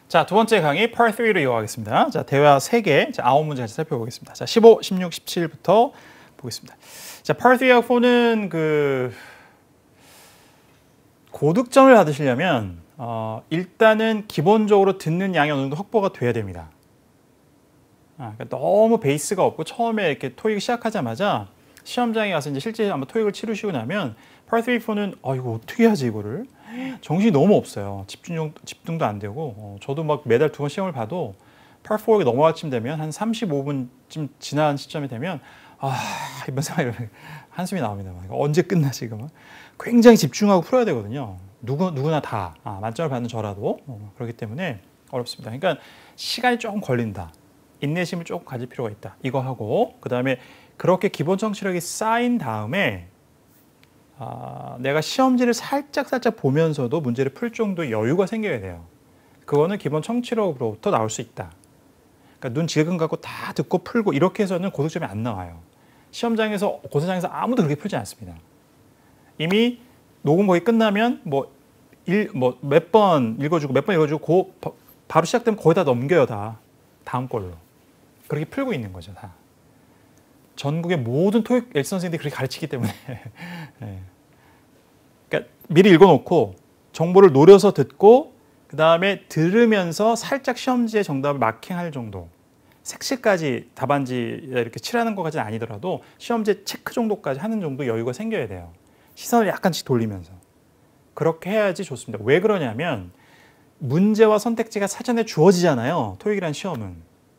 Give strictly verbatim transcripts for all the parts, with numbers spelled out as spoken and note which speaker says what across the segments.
Speaker 1: 자, 두 번째 강의 Part 삼로 이어가겠습니다. 자, 대화 세 개, 자, 아홉 문제 같이 살펴보겠습니다. 자, 십오, 십육, 십칠부터 보겠습니다. 자, Part 삼하고 사는 그 고득점을 받으시려면 어, 일단은 기본적으로 듣는 양이 어느 정도 확보가 돼야 됩니다. 아, 그러니까 너무 베이스가 없고 처음에 이렇게 토익 시작하자마자 시험장에 가서 이제 실제 한번 토익을 치르시고 나면 Part 삼, 사는 아 이거 어떻게 하지 이거를 정신이 너무 없어요. 집중 집중도 안 되고 어, 저도 막 매달 두 번 시험을 봐도 Part 사에 넘어갈 쯤 되면 한 삼십오 분쯤 지난 시점이 되면 아 이번 생활 한숨이 나옵니다. 이거 언제 끝나 지금? 굉장히 집중하고 풀어야 되거든요. 누구 누구나 다 아, 만점을 받는 저라도 어, 그렇기 때문에 어렵습니다. 그러니까 시간이 조금 걸린다. 인내심을 조금 가질 필요가 있다. 이거 하고 그 다음에 그렇게 기본 청취력이 쌓인 다음에 아, 내가 시험지를 살짝 살짝 보면서도 문제를 풀 정도의 여유가 생겨야 돼요. 그거는 기본 청취력으로부터 나올 수 있다. 그러니까 눈 질끈 갖고 다 듣고 풀고 이렇게 해서는 고득점이 안 나와요. 시험장에서 고사장에서 아무도 그렇게 풀지 않습니다. 이미 녹음 거의 끝나면 뭐 일 뭐 몇 번 읽어주고 몇 번 읽어주고 고, 바로 시작되면 거의 다 넘겨요 다 다음 걸로 그렇게 풀고 있는 거죠 다. 전국의 모든 토익 엘 선생님들이 그렇게 가르치기 때문에 네. 그러니까 미리 읽어놓고 정보를 노려서 듣고 그 다음에 들으면서 살짝 시험지의 정답을 마킹할 정도. 색칠까지 답안지 이렇게 칠하는 것까지는 아니더라도 시험지 체크 정도까지 하는 정도 여유가 생겨야 돼요. 시선을 약간씩 돌리면서. 그렇게 해야지 좋습니다. 왜 그러냐면 문제와 선택지가 사전에 주어지잖아요. 토익이라는 시험은.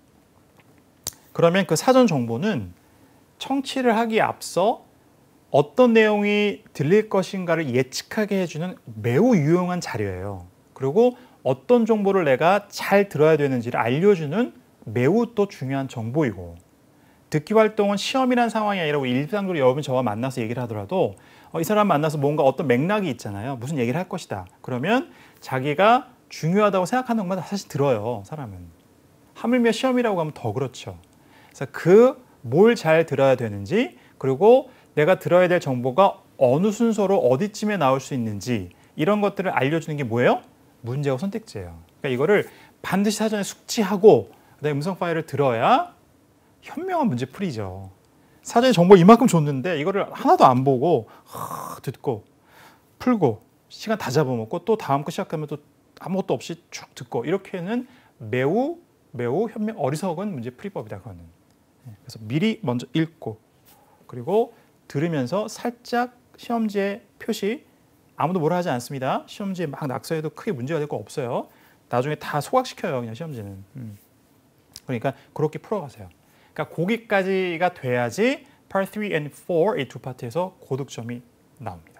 Speaker 1: 그러면 그 사전 정보는 청취를 하기에 앞서 어떤 내용이 들릴 것인가를 예측하게 해주는 매우 유용한 자료예요. 그리고 어떤 정보를 내가 잘 들어야 되는지를 알려주는 매우 또 중요한 정보이고 듣기 활동은 시험이란 상황이 아니라 일상적으로 여러분 저와 만나서 얘기를 하더라도 어, 이 사람 만나서 뭔가 어떤 맥락이 있잖아요. 무슨 얘기를 할 것이다. 그러면 자기가 중요하다고 생각하는 것만 사실 들어요. 사람은. 하물며 시험이라고 하면 더 그렇죠. 그래서 그 뭘 잘 들어야 되는지 그리고 내가 들어야 될 정보가 어느 순서로 어디쯤에 나올 수 있는지 이런 것들을 알려주는 게 뭐예요? 문제와 선택지예요. 그러니까 이거를 반드시 사전에 숙지하고 그다음에 음성 파일을 들어야 현명한 문제 풀이죠. 사전에 정보 이만큼 줬는데 이거를 하나도 안 보고 하, 듣고 풀고 시간 다 잡아먹고 또 다음 거 시작하면 또 아무것도 없이 쭉 듣고 이렇게는 매우 매우 현명 어리석은 문제 풀이법이다. 그거는. 그래서 미리 먼저 읽고 그리고 들으면서 살짝 시험지에 표시 아무도 뭐라 하지 않습니다. 시험지에 막 낙서해도 크게 문제가 될 거 없어요. 나중에 다 소각시켜요. 그냥 시험지는. 음. 그러니까 그렇게 풀어가세요. 그러니까 거기까지가 돼야지 Part 삼 and 사 이 두 파트에서 고득점이 나옵니다.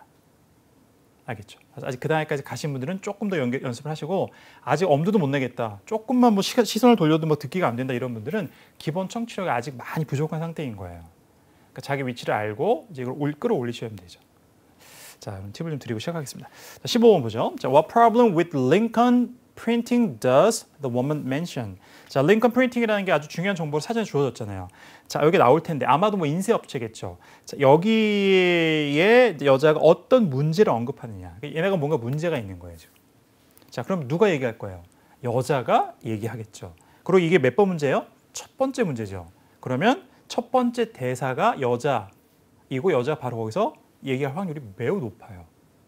Speaker 1: 알겠죠? 아직 그 단계까지 가신 분들은 조금 더 연결, 연습을 하시고 아직 엄두도 못 내겠다. 조금만 뭐 시, 시선을 돌려도 뭐 듣기가 안 된다 이런 분들은 기본 청취력이 아직 많이 부족한 상태인 거예요. 그러니까 자기 위치를 알고 이제 이걸 올, 끌어올리셔야 되죠. 자, 그럼 팁을 좀 드리고 시작하겠습니다. 자, 십오 번 보죠. 자, What problem with Lincoln printing does the woman mention? 자, 링컨 프린팅이라는 게 아주 중요한 정보를 사전에 주어졌잖아요. 자, 여기 나올 텐데 아마도 뭐 인쇄업체겠죠. 자, 여기에 여자가 어떤 문제를 언급하느냐. 얘네가 뭔가 문제가 있는 거예요, 지금. 자, 그럼 누가 얘기할 거예요? 여자가 얘기하겠죠. 그리고 이게 몇 번 문제예요? 첫 번째 문제죠. 그러면 첫 번째 대사가 여자이고 여자가 바로 거기서 얘기할 확률이 매우 높아요.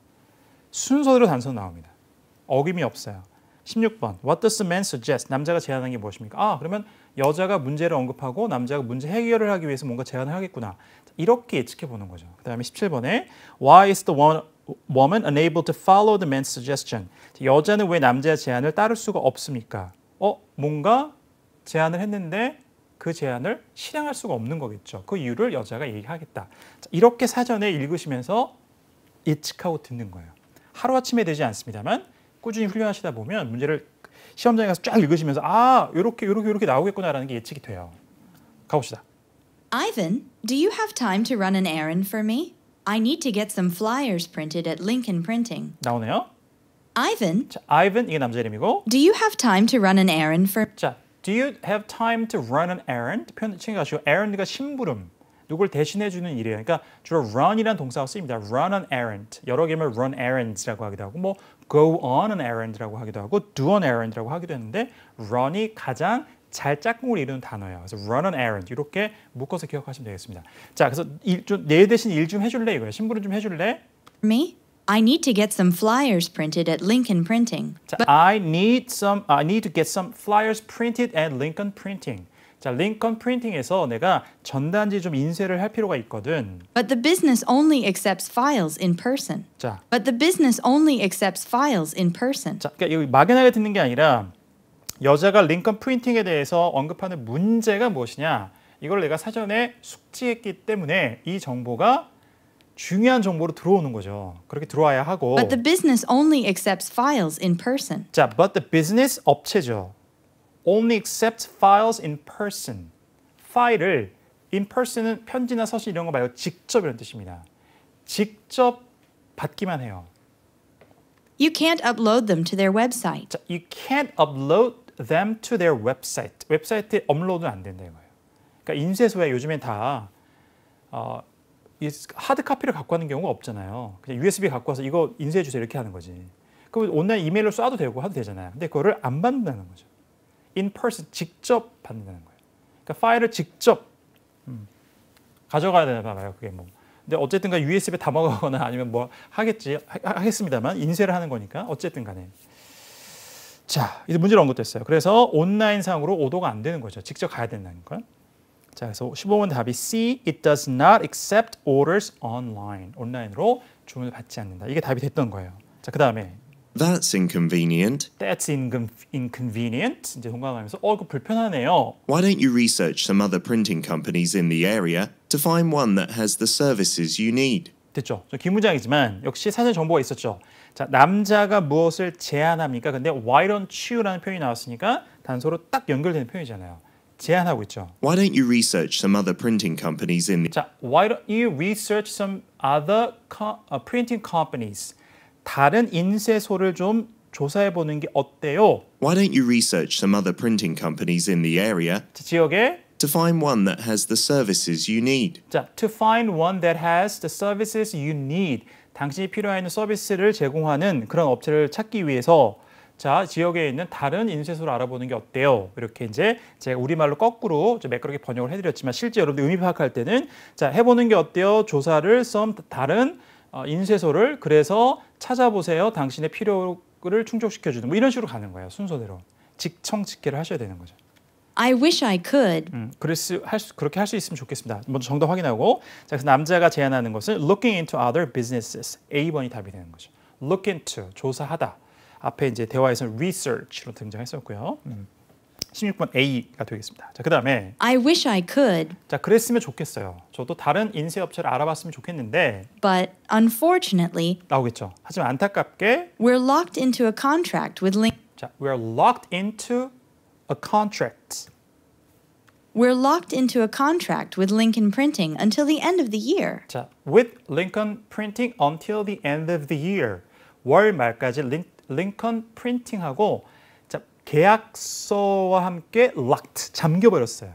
Speaker 1: 순서대로 단서 나옵니다. 어김이 없어요. 십육 번. What does the man suggest? 남자가 제안한 게 무엇입니까? 아, 그러면 여자가 문제를 언급하고 남자가 문제 해결을 하기 위해서 뭔가 제안을 하겠구나. 이렇게 예측해 보는 거죠. 그 다음에 십칠 번에 Why is the woman unable to follow the man's suggestion? 여자는 왜 남자의 제안을 따를 수가 없습니까? 어, 뭔가 제안을 했는데 그 제안을 실행할 수가 없는 거겠죠. 그 이유를 여자가 얘기하겠다. 이렇게 사전에 읽으시면서 예측하고 듣는 거예요. 하루아침에 되지 않습니다만 꾸준히 훈련하시다 보면 문제를 시험장에 가서 쫙 읽으시면서 아, 요렇게 요렇게 요렇게 나오겠구나라는 게 예측이 돼요. 가봅시다.
Speaker 2: Ivan, do you have time to run an errand for me? I need to get some flyers printed at Lincoln Printing.
Speaker 1: 나오네요.
Speaker 2: Ivan,
Speaker 1: 자, Ivan 이게 남자 이름이고.
Speaker 2: do you have time to run an errand for?
Speaker 1: 자, do you have time to run an errand? 표현 챙겨가시고 errand가 심부름. 누굴 대신해 주는 일이에요. 그러니까 주로 run이라는 동사가 쓰입니다. run an errand. 여러 개면 run errands라고 하기도 하고 뭐 go on an errand라고 하기도 하고 do an errand라고 하기도 했는데 run이 가장 잘 짝꿍을 이루는 단어예요. 그래서 run an errand 이렇게 묶어서 기억하시면 되겠습니다. 자, 그래서 일 좀, 내 대신 일 좀 해줄래 이거예요. 심부름 좀 해줄래?
Speaker 2: Me? I need to get some flyers printed at Lincoln Printing.
Speaker 1: 자, I need some, I need to get some flyers printed at Lincoln Printing. 자, 링컨 프린팅에서 내가 전단지 좀 인쇄를 할 필요가 있거든.
Speaker 2: But the business only accepts files in person.
Speaker 1: 자,
Speaker 2: But the business only accepts files in person.
Speaker 1: 자, 그러니까 여기 막연하게 듣는 게 아니라 여자가 링컨 프린팅에 대해서 언급하는 문제가 무엇이냐? 이걸 내가 사전에 숙지했기 때문에 이 정보가 중요한 정보로 들어오는 거죠. 그렇게 들어와야 하고.
Speaker 2: But the business only accepts files in person.
Speaker 1: 자, but the business 업체죠. only accepts files in person. 파일을 in person은 편지나 서신 이런 거 말고 직접 이런 뜻입니다. 직접 받기만 해요.
Speaker 2: You can't upload them to their website.
Speaker 1: 자, you can't upload them to their website. 웹사이트에 업로드는 안 된다 이거예요. 그러니까 인쇄소에 요즘엔 다 어, 하드 카피를 갖고 하는 경우가 없잖아요. 그냥 유에스비 갖고 와서 이거 인쇄해 주세요 이렇게 하는 거지. 그럼 온라인 이메일로 쏴도 되고 하도 되잖아요. 근데 그거를 안 받는다는 거죠. in person 직접 받는다는 거예요. 그러니까 파일을 직접 음, 가져가야 되나 봐요. 그게 뭐. 근데 어쨌든가 유에스비에 담아가거나 아니면 뭐 하겠지 하, 하겠습니다만 인쇄를 하는 거니까 어쨌든 간에. 자, 이제 문제를 언급됐어요. 그래서 온라인상으로 오도가 안 되는 거죠. 직접 가야 된다는 거. 자, 그래서 십오 번 답이 C. It does not accept orders online. 온라인으로 주문을 받지 않는다. 이게 답이 됐던 거예요. 자, 그 다음에
Speaker 3: That's inconvenient.
Speaker 1: That's inconvenient. 이제 동감하면서 어, 이거 불편하네요.
Speaker 3: Why don't you research some other printing companies in the area to find one that has the services you need?
Speaker 1: 됐죠. 좀 긴 문장이지만 역시 사전 정보가 있었죠. 자, 남자가 무엇을 제안합니까? 근데 why don't you라는 표현이 나왔으니까 단서로 딱 연결되는 표현이잖아요. 제안하고 있죠.
Speaker 3: Why don't you research some other printing companies in the...
Speaker 1: 자, why don't you research some other co- uh, printing companies? 다른 인쇄소를 좀 조사해 보는 게 어때요?
Speaker 3: Why don't you research some other printing companies in the area
Speaker 1: 자, 지역에
Speaker 3: to find one that has the services you need?
Speaker 1: 자, to find one that has the services you need. 당신이 필요한 서비스를 제공하는 그런 업체를 찾기 위해서 자, 지역에 있는 다른 인쇄소를 알아보는 게 어때요? 이렇게 이제 제가 우리말로 거꾸로 좀 매끄럽게 번역을 해드렸지만 실제 여러분들 의미 파악할 때는 자, 해보는 게 어때요? 조사를 some 다른 어, 인쇄소를 그래서 찾아보세요. 당신의 필요를 충족시켜주는 뭐 이런 식으로 가는 거예요. 순서대로. 직청직계를 하셔야 되는 거죠.
Speaker 2: I wish I could.
Speaker 1: 음, 그래서 할 수, 그렇게 할 수 있으면 좋겠습니다. 먼저 정답 확인하고 자, 그래서 남자가 제안하는 것은 looking into other businesses. A 번이 답이 되는 거죠. look into, 조사하다. 앞에 이제 대화에서는 research로 등장했었고요. 음. 십육 번 A가 되겠습니다. 자, 그 다음에
Speaker 2: I wish I could.
Speaker 1: 자, 그랬으면 좋겠어요. 저도 다른 인쇄업체를 알아봤으면 좋겠는데
Speaker 2: But unfortunately,
Speaker 1: 나오겠죠. 하지만 안타깝게
Speaker 2: we're locked into a contract with Link.
Speaker 1: 자, we're locked into a contract.
Speaker 2: We're locked into a contract with Lincoln Printing until the end of the year.
Speaker 1: 자, with Lincoln Printing until the end of the year. 월 말까지 링, 링컨 프린팅하고 자, 계약서와 함께 locked, 잠겨버렸어요.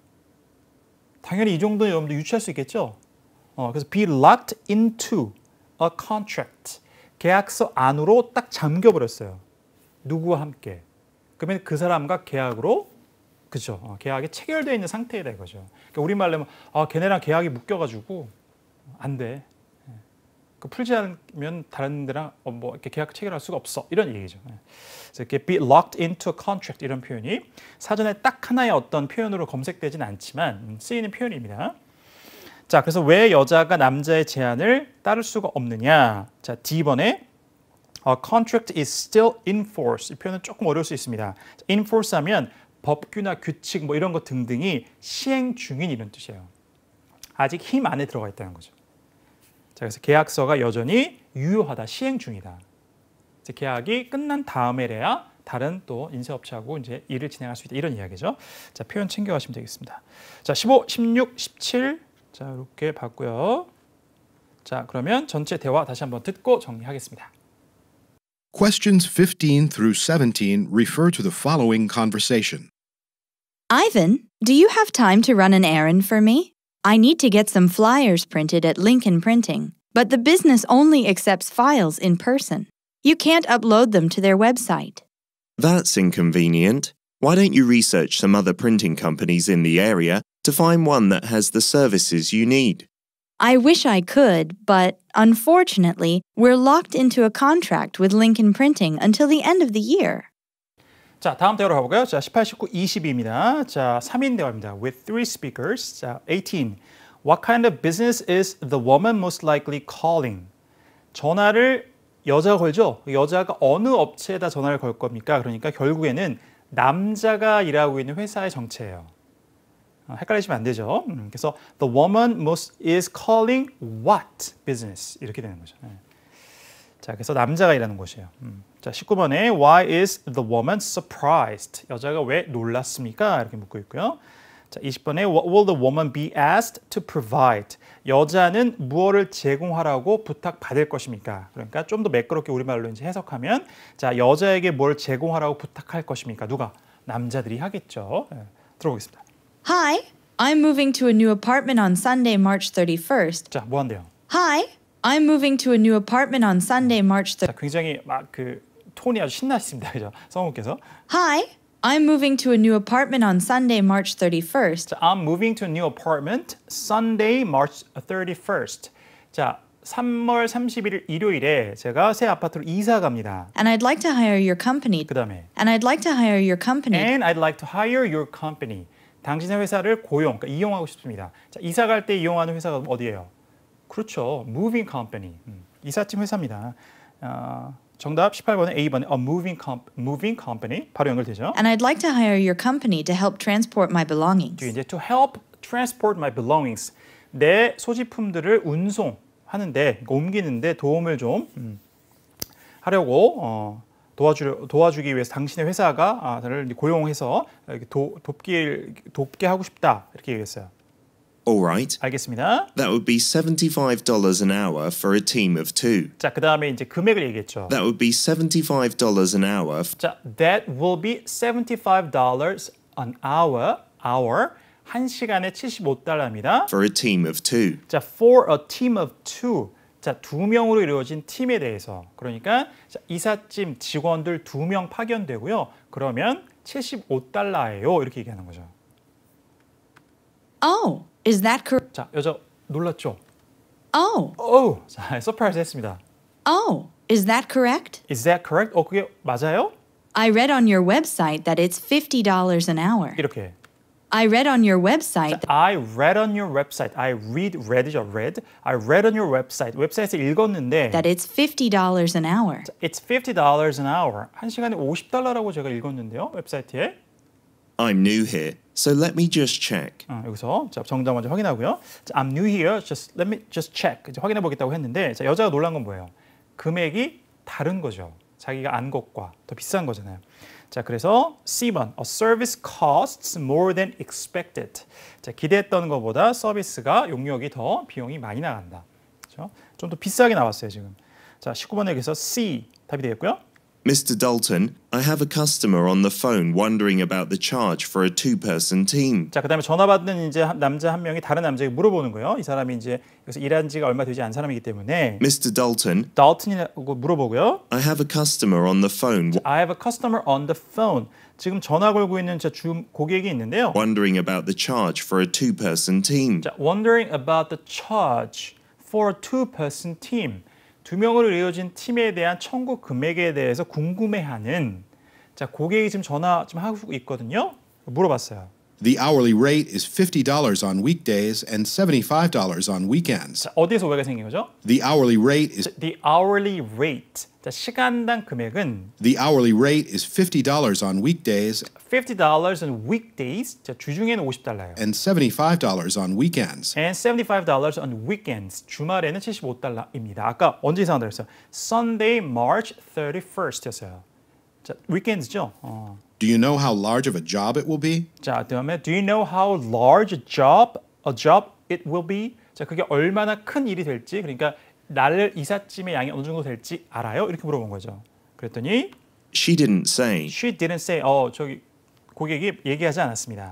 Speaker 1: 당연히 이 정도는 여러분들 유추할 수 있겠죠? 어, 그래서 be locked into a contract. 계약서 안으로 딱 잠겨버렸어요. 누구와 함께. 그러면 그 사람과 계약으로 그죠? 어, 계약이 체결되어 있는 상태이다 이거죠. 그러니까 우리말로 하면 아, 걔네랑 계약이 묶여가지고 안 돼. 그 풀지 않으면 다른 데랑 어, 뭐 이렇게 계약 체결할 수가 없어. 이런 얘기죠. 그래서 이렇게 be locked into a contract 이런 표현이 사전에 딱 하나의 어떤 표현으로 검색되진 않지만 쓰이는 표현입니다. 자, 그래서 왜 여자가 남자의 제안을 따를 수가 없느냐? 자, D번에 A contract is still in force. 이 표현은 조금 어려울 수 있습니다. in force 하면 법규나 규칙 뭐 이런 것 등등이 시행 중인 이런 뜻이에요. 아직 힘 안에 들어가 있다는 거죠. 자, 그래서 계약서가 여전히 유효하다, 시행 중이다. 이제 계약이 끝난 다음에래야 다른 또 인쇄업체하고 이제 일을 진행할 수 있다 이런 이야기죠. 자, 표현 챙겨가시면 되겠습니다. 자, 십오, 십육, 십칠 자 이렇게 봤고요. 자, 그러면 전체 대화 다시 한번 듣고 정리하겠습니다.
Speaker 4: Questions fifteen through seventeen refer to the following conversation.
Speaker 2: Ivan, do you have time to run an errand for me? I need to get some flyers printed at Lincoln Printing, but the business only accepts files in person. You can't upload them to their website.
Speaker 3: That's inconvenient. Why don't you research some other printing companies in the area to find one that has the services you need?
Speaker 2: I wish I could, but unfortunately, we're locked into a contract with Lincoln Printing until the end of the year.
Speaker 1: 자, 다음 대화로 가볼까요? 자, 십팔, 십구, 이십입니다. 자, 삼 인 대화입니다. With three speakers. 자, eighteen. What kind of business is the woman most likely calling? 전화를 여자가 걸죠? 여자가 어느 업체에다 전화를 걸 겁니까? 그러니까 결국에는 남자가 일하고 있는 회사의 정체예요. 어, 헷갈리시면 안 되죠. 음, 그래서 the woman most is calling what business 이렇게 되는 거죠. 네. 자, 그래서 남자가 일하는 곳이에요. 음. 자, 십구 번에 Why is the woman surprised? 여자가 왜 놀랐습니까? 이렇게 묻고 있고요. 자, 이십 번에 What will the woman be asked to provide? 여자는 무엇을 제공하라고 부탁받을 것입니까? 그러니까 좀 더 매끄럽게 우리말로 이제 해석하면 자, 여자에게 뭘 제공하라고 부탁할 것입니까? 누가? 남자들이 하겠죠. 네, 들어보겠습니다.
Speaker 2: Hi, I'm moving to a new apartment on Sunday, March thirty-first.
Speaker 1: 자, 뭐 한대요?
Speaker 2: Hi, I'm moving to a new apartment on Sunday, March
Speaker 1: 자,
Speaker 2: thirty-first.
Speaker 1: 굉장히 막 그 톤이 아주 신나십니다. 그죠? 성우께서.
Speaker 2: Hi, I'm moving to a new apartment on Sunday, March thirty-first.
Speaker 1: 자, I'm moving to a new apartment Sunday, March thirty-first. 자, 삼월 삼십일 일 일요일에 제가 새 아파트로 이사 갑니다.
Speaker 2: And I'd like to hire your company.
Speaker 1: 그다음에
Speaker 2: And I'd like to hire your company.
Speaker 1: And I'd like to hire your company. 당신의 회사를 고용, 그러니까 이용하고 싶습니다. 자, 이사 갈 때 이용하는 회사가 어디예요? 그렇죠. Moving company. 음, 이삿짐 회사입니다. 어, 정답 십팔 번에 A 번에 a moving, comp, moving company 바로 연결되죠.
Speaker 2: And I'd like to hire your company to help transport my belongings.
Speaker 1: 뒤에 이제 to help transport my belongings. 내 소지품들을 운송하는데, 옮기는데 도움을 좀 음, 하려고 어, 도와주 도와주기 위해서 당신의 회사가 아, 저를 고용해서 이렇게 도, 돕기 돕게 하고 싶다 이렇게 얘기했어요.
Speaker 3: All right.
Speaker 1: 알겠습니다.
Speaker 3: That would be seventy-five dollars an hour for a team of two.
Speaker 1: 자, 그 다음에 이제 금액을 얘기했죠.
Speaker 3: That would be seventy-five dollars an hour. f-
Speaker 1: 자, that will be seventy-five dollars an hour. hour 한 시간에 칠십오 달러입니다.
Speaker 3: For a team of two.
Speaker 1: 자, for a team of two. 자, 두 명으로 이루어진 팀에 대해서. 그러니까 자, 이삿짐 직원들 두 명 파견되고요. 그러면 칠십오 달러예요. 이렇게 얘기하는 거죠.
Speaker 2: Oh, is that correct?
Speaker 1: 자, 여자 놀랐죠?
Speaker 2: Oh,
Speaker 1: 오, 자, 서프라이즈 했습니다.
Speaker 2: oh, is that correct?
Speaker 1: Is that correct? 어, 그게 맞아요?
Speaker 2: I read on your website that it's fifty dollars an hour.
Speaker 1: 이렇게.
Speaker 2: I read on your website that
Speaker 1: I read on your website. I read, read이죠, read. I read on your website. 웹사이트에서 읽었는데
Speaker 2: that it's fifty dollars an hour.
Speaker 1: It's fifty dollars an hour. 한 시간에 오십 달러라고 제가 읽었는데요, 웹사이트에.
Speaker 3: I'm new here, so let me just check.
Speaker 1: 어, 여기서 자, 정답 먼저 확인하고요. 자, I'm new here. Just let me just check. 이제 확인해 보겠다고 했는데 자, 여자가 놀란 건 뭐예요? 금액이 다른 거죠. 자기가 안 것과 더 비싼 거잖아요. 자, 그래서 C 번 A service costs more than expected. 자, 기대했던 것보다 서비스가 용역이 더 비용이 많이 나간다. 그렇죠? 좀 더 비싸게 나왔어요, 지금. 자, 십구 번에 여기서 C 답이 되겠고요.
Speaker 3: Mister Dalton, I have a customer on the phone wondering about the charge for a two-person team.
Speaker 1: 자, 그다음에 전화 받는 이제 한- 남자 한 명이 다른 남자에게 물어보는 거예요. 이 사람이 이제 여기서 일한 지가 얼마 되지 않은 사람이기 때문에
Speaker 3: Mister Dalton,
Speaker 1: 달튼이라고 물어보고요.
Speaker 3: I have a customer on the phone w-
Speaker 1: I have a customer on the phone. 지금 전화 걸고 있는 저 주 고객이 있는데요.
Speaker 3: wondering about the charge for a two-person team.
Speaker 1: 자, wondering about the charge for a two-person team. 두 명으로 이루어진 팀에 대한 청구 금액에 대해서 궁금해하는 자, 고객이 지금 전화 좀 하고 있거든요. 물어봤어요.
Speaker 4: The hourly rate is fifty dollars on weekdays and seventy-five dollars on weekends.
Speaker 1: 자, 어디에서 오해가 생긴 거죠?
Speaker 4: The hourly rate is
Speaker 1: The hourly rate. 자, 시간당 금액은
Speaker 4: the hourly rate is fifty dollars on weekdays
Speaker 1: fifty dollars on weekdays. 자, 주중에는 오십 달러예요.
Speaker 4: and seventy-five dollars on weekends.
Speaker 1: And seventy-five dollars on weekends. 주말에는 칠십오 달러입니다. 아까 언제 이상하다고 했어요? Sunday, March thirty-first였어요. 자, weekends죠. 어.
Speaker 4: Do you know how large of a job it will be?
Speaker 1: 자, 그다음에 Do you know how large a job a job it will be? 자, 그게 얼마나 큰 일이 될지, 그러니까 날 이삿짐의 양이 어느 정도 될지 알아요? 이렇게 물어본 거죠. 그랬더니
Speaker 3: She didn't say.
Speaker 1: she didn't say. 어, 저기 고객이 얘기하지 않았습니다.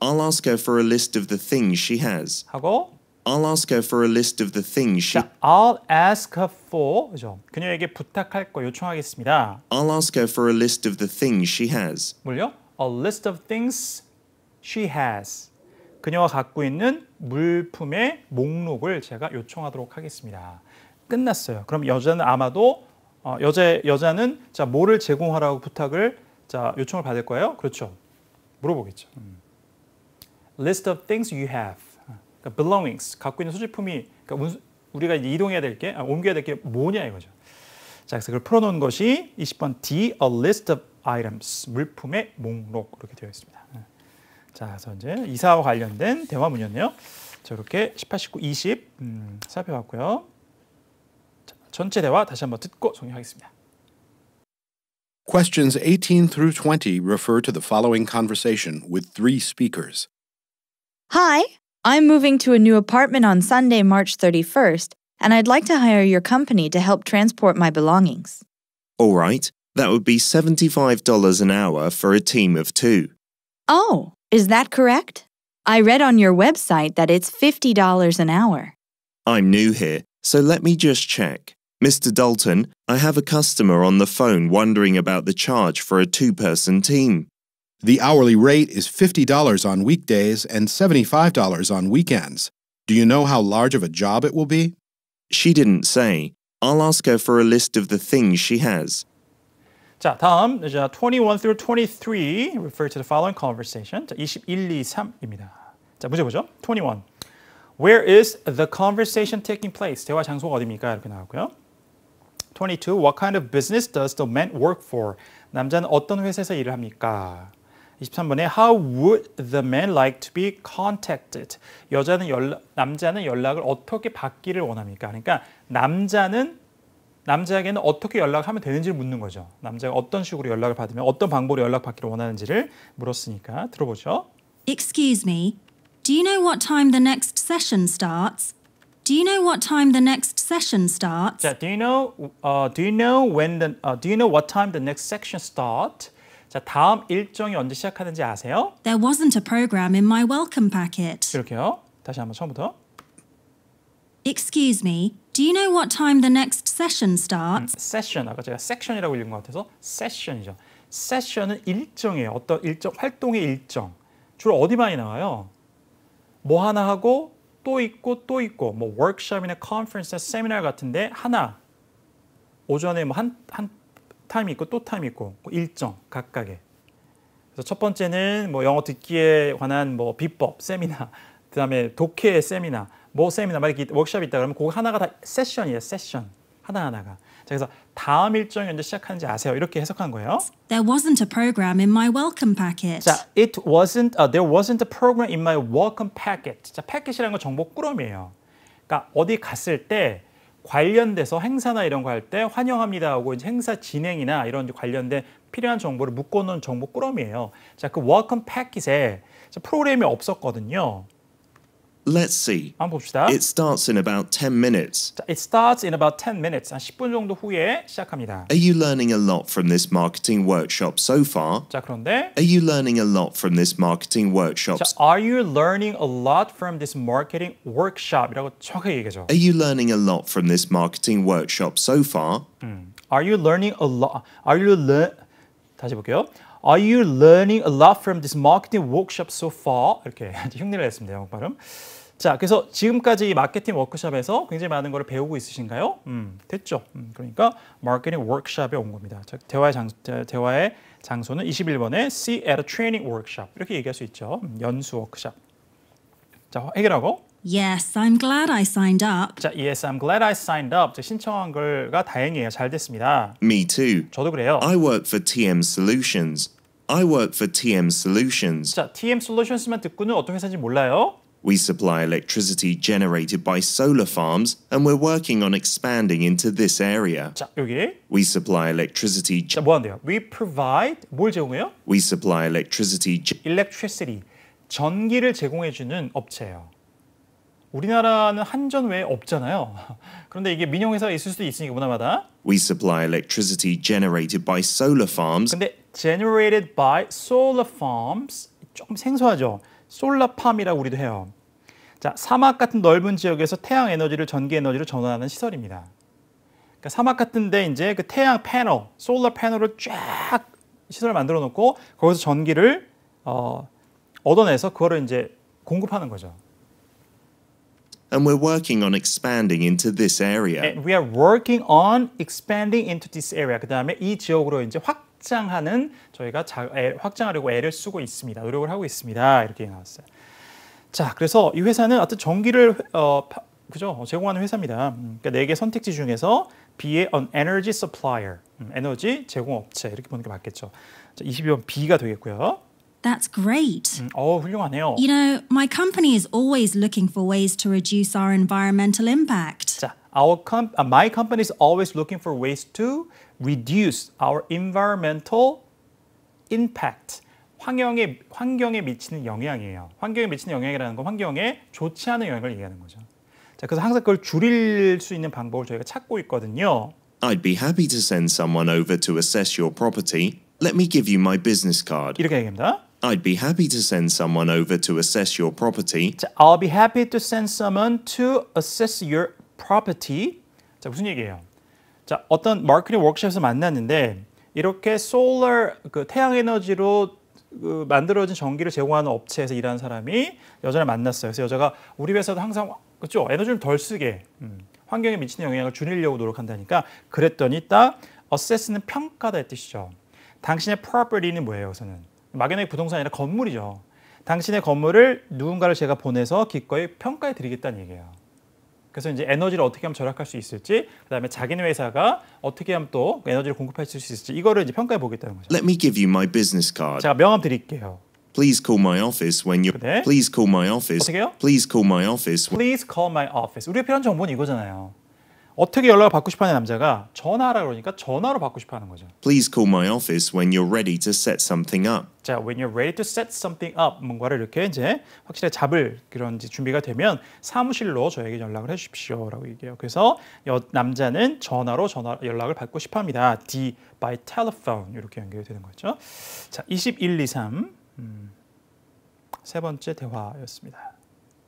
Speaker 3: I'll ask her for a list of the things she has.
Speaker 1: 하고
Speaker 3: I'll ask her for a list of the things she
Speaker 1: 자, I'll ask her for 그죠? 그녀에게 부탁할 거 요청하겠습니다.
Speaker 3: I'll ask her for a list of the things she has.
Speaker 1: 뭘요? A list of things she has. 그녀가 갖고 있는 물품의 목록을 제가 요청하도록 하겠습니다. 끝났어요. 그럼 여자는 아마도 어, 여자 여자는 자 뭐를 제공하라고 부탁을 자 요청을 받을 거예요? 그렇죠. 물어보겠죠. 음. List of things you have. 그러니까 belongings 갖고 있는 소지품이 그러니까 우리가 이제 이동해야 될 게 아, 옮겨야 될 게 뭐냐 이거죠. 자 그래서 그걸 풀어놓은 것이 이십 번 D. A list of items. 물품의 목록 이렇게 되어 있습니다. 자, 그래서 이제 이사와 관련된 대화문이었네요. 자, 이렇게 십팔, 십구, 이십 음, 살펴봤고요. 자, 전체 대화 다시 한번 듣고 정리하겠습니다.
Speaker 4: Questions eighteen through twenty refer to the following conversation with three speakers.
Speaker 2: Hi, I'm moving to a new apartment on Sunday, March thirty-first, and I'd like to hire your company to help transport my belongings.
Speaker 3: All right, that would be seventy-five dollars an hour for a team of two.
Speaker 2: Oh, is that correct? I read on your website that it's fifty dollars an hour.
Speaker 3: I'm new here, so let me just check. Mister Dalton, I have a customer on the phone wondering about the charge for a two-person team.
Speaker 4: The hourly rate is fifty dollars on weekdays and seventy-five dollars on weekends. Do you know how large of a job it will be?
Speaker 3: She didn't say. I'll ask her for a list of the things she has.
Speaker 1: 자, 다음 자, twenty-one through twenty-three refer to the following conversation. 자, 이십일, 이, 삼입니다. 자, 문제 보죠. twenty-one. Where is the conversation taking place? 대화 장소가 어디입니까? 이렇게 나왔고요. twenty-two. What kind of business does the man work for? 남자는 어떤 회사에서 일을 합니까? 이십삼 번에 How would the man like to be contacted? 여자는 연락, 남자는 연락을 어떻게 받기를 원합니까? 그러니까 남자는 남자에게는 어떻게 연락하면 되는지를 묻는 거죠. 남자가 어떤 식으로 연락을 받으면 어떤 방법으로 연락받기를 원하는지를 물었으니까 들어보죠.
Speaker 5: Excuse me, do you know what time the next session starts? Do you know what time the next session starts?
Speaker 1: 자, do you know, uh, do you know when the, uh, do you know what time the next section start? 자, 다음 일정이 언제 시작하는지 아세요?
Speaker 5: There wasn't a program in my welcome packet.
Speaker 1: 이렇게요. 다시 한번 처음부터.
Speaker 5: Excuse me, do you know what time the next session starts?
Speaker 1: 세션, 아까 제가 섹션이라고 읽은 것 같아서 세션이죠. 세션은 일정이에요. 어떤 일정, 활동의 일정. 주로 어디 많이 나와요? 뭐 하나 하고 또 있고 또 있고 뭐 워크숍이나 컨퍼런스, 세미나 같은데 하나 오전에 뭐 한 한 타임 있고 또 타임 있고 일정 각각의. 그래서 첫 번째는 뭐 영어 듣기에 관한 뭐 비법 세미나, 그다음에 독해 세미나, 뭐 세미나 막 이렇게 워크숍이 있다 그러면 그거 하나가 다 세션이에요. 세션 하나 하나가. 자, 그래서 다음 일정이 언제 시작하는지 아세요? 이렇게 해석한 거예요.
Speaker 5: There wasn't a program in my welcome packet.
Speaker 1: 자, it wasn't, uh, there wasn't a program in my welcome packet. 자, 패킷이라는 건 정보 꾸러미예요. 그러니까 어디 갔을 때 관련돼서 행사나 이런 거 할 때 환영합니다 하고 이제 행사 진행이나 이런 관련된 필요한 정보를 묶어놓은 정보 꾸러미예요. 자, 그 welcome packet에 프로그램이 없었거든요.
Speaker 3: Let's see.
Speaker 1: 한번 봅시다.
Speaker 3: It starts in about ten minutes.
Speaker 1: 자, it starts in about ten minutes. 한 십 분 정도 후에 시작합니다.
Speaker 3: Are you learning a lot from this marketing workshop so far?
Speaker 1: 자, 그런데
Speaker 3: Are you learning a lot from this marketing workshop?
Speaker 1: 자, are you learning a lot from this marketing workshop? 이라고 정확하게 얘기하죠.
Speaker 3: Are you learning a lot from this marketing workshop so far?
Speaker 1: 음. Are you learning a lot? Are you learn? 다시 볼게요. Are you learning a lot from this marketing workshop so far? 이렇게 흉내를 냈습니다. 영어 발음. 자, 그래서 지금까지 이 마케팅 워크숍에서 굉장히 많은 걸 배우고 있으신가요? 음, 됐죠. 음, 그러니까 마케팅 워크숍에 온 겁니다. 자, 대화의 장 대화의 장소는 이십일 번에 See at a training workshop 이렇게 얘기할 수 있죠. 음, 연수 워크숍. 자, 해결하고.
Speaker 5: Yes, I'm glad I signed up.
Speaker 1: 자, yes, I'm glad I signed up. 자, 신청한 걸가 다행이에요. 잘 됐습니다.
Speaker 3: Me too.
Speaker 1: 저도 그래요.
Speaker 3: I work for T M Solutions. I work for T M Solutions.
Speaker 1: 자, T M Solutions만 듣고는 어떤 회사인지 몰라요.
Speaker 3: We supply electricity generated by solar farms, and we're working on expanding into this area.
Speaker 1: 자, 여기.
Speaker 3: We supply electricity.
Speaker 1: 자, 뭐 한대요? We provide 뭘 제공해요?
Speaker 3: We supply electricity.
Speaker 1: Electricity. 전기를 제공해 주는 업체예요. 우리나라는 한전 외에 없잖아요. 그런데 이게 민영 회사가 있을 수도 있으니까 문화마다.
Speaker 3: We supply electricity generated by solar farms.
Speaker 1: 근데 generated by solar farms 조금 생소하죠. 솔라팜이라고 우리도 해요. 자, 사막 같은 넓은 지역에서 태양 에너지를 전기 에너지로 전환하는 시설입니다. 그러니까 사막 같은데 이제 그 태양 패널, 솔라 패널을 쫙 시설을 만들어 놓고 거기서 전기를 어, 얻어내서 그거를 이제 공급하는 거죠.
Speaker 3: And we're working on expanding into this area.
Speaker 1: And we are working on expanding into this area. 그 다음에 이 지역으로 이제 확장하는 저희가 자, 애, 확장하려고 애를 쓰고 있습니다. 노력을 하고 있습니다. 이렇게 나왔어요. 자, 그래서 이 회사는 어떤 전기를 어, 파, 그죠? 제공하는 회사입니다. 음, 그러니까 네 개 선택지 중에서 B의 an energy supplier, 음, 에너지 제공업체 이렇게 보는 게 맞겠죠. 자, 이십이 번 B가 되겠고요.
Speaker 5: That's great.
Speaker 1: 음, 어, 훌륭하네요.
Speaker 5: You know, my company is always looking for ways to reduce our environmental impact.
Speaker 1: 자, our com- uh, my company is always looking for ways to reduce our environmental impact. 환경에 환경에 미치는 영향이에요. 환경에 미치는 영향이라는 건 환경에 좋지 않은 영향을 얘기하는 거죠. 자, 그래서 항상 그걸 줄일 수 있는 방법을 저희가 찾고 있거든요.
Speaker 3: I'd be happy to send someone over to assess your property. Let me give you my business card.
Speaker 1: 이렇게 얘기합니다.
Speaker 3: I'd be happy to send someone over to assess your property.
Speaker 1: 자, I'll be happy to send someone to assess your property. 자, 무슨 얘기예요? 자, 어떤 마케팅 워크숍에서 만났는데 이렇게 솔라 그 태양 에너지로 그 만들어진 전기를 제공하는 업체에서 일하는 사람이 여자를 만났어요. 그래서 여자가 우리 회사도 항상 그렇죠 에너지를 덜 쓰게 음, 환경에 미치는 영향을 줄이려고 노력한다니까 그랬더니 딱 assess는 평가다의 뜻이죠. 당신의 property는 뭐예요? 우선은 막연하게 부동산이 아니라 건물이죠. 당신의 건물을 누군가를 제가 보내서 기꺼이 평가해 드리겠다는 얘기예요. 그래서 이제 에너지를 어떻게 하면 절약할 수 있을지, 그다음에 자기네 회사가 어떻게 하면 또 에너지를 공급할 수 있을지 이거를 이제 평가해 보겠다는 거죠.
Speaker 3: Let me give you my business card.
Speaker 1: 제가 명함 드릴게요.
Speaker 3: Please call my office when you.
Speaker 1: 네.
Speaker 3: Please call my office.
Speaker 1: 어떻게 해요?
Speaker 3: Please call my office.
Speaker 1: Please call my office. 우리가 필요한 정보는 이거잖아요. 어떻게 연락을 받고 싶어하는 남자가 전화하라 그러니까 전화로 받고 싶어하는 거죠.
Speaker 3: Please call my office when you're ready to set something up.
Speaker 1: 자, when you're ready to set something up, 뭔가를 이렇게 이제 확실히 잡을 그런 이제 준비가 되면 사무실로 저에게 연락을 해주십시오라고 얘기해요. 그래서 여, 남자는 전화로 전화 연락을 받고 싶어합니다. D by telephone 이렇게 연결이 되는 거죠. 자, 이십일, 이십삼 음, 세 번째 대화였습니다.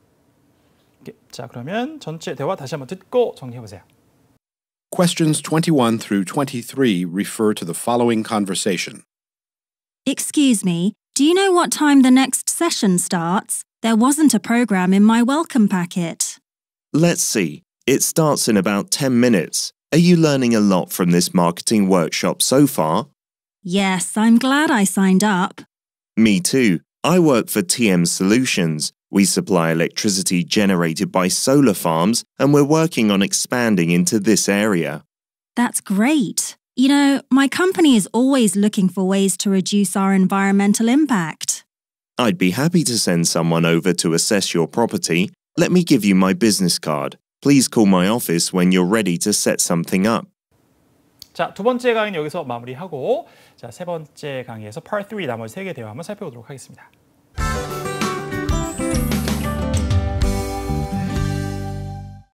Speaker 1: 자, 그러면 전체 대화 다시 한번 듣고 정리해 보세요.
Speaker 4: Questions twenty-one through twenty-three refer to the following conversation.
Speaker 5: Excuse me, do you know what time the next session starts? There wasn't a program in my welcome packet.
Speaker 3: Let's see. It starts in about ten minutes. Are you learning a lot from this marketing workshop so far?
Speaker 5: Yes, I'm glad I signed up.
Speaker 3: Me too. I work for T M Solutions. We supply electricity generated by solar farms, and we're working on expanding into this area.
Speaker 5: That's great. You know, my company is always looking for ways to reduce our environmental impact.
Speaker 3: I'd be happy to send someone over to assess your property. Let me give you my business card. Please call my office when you're ready to set something up.
Speaker 1: 자, 두 번째 강의는 여기서 마무리하고 자, 세 번째 강의에서 Part 삼 나머지 세 개 대화 한번 살펴보도록 하겠습니다.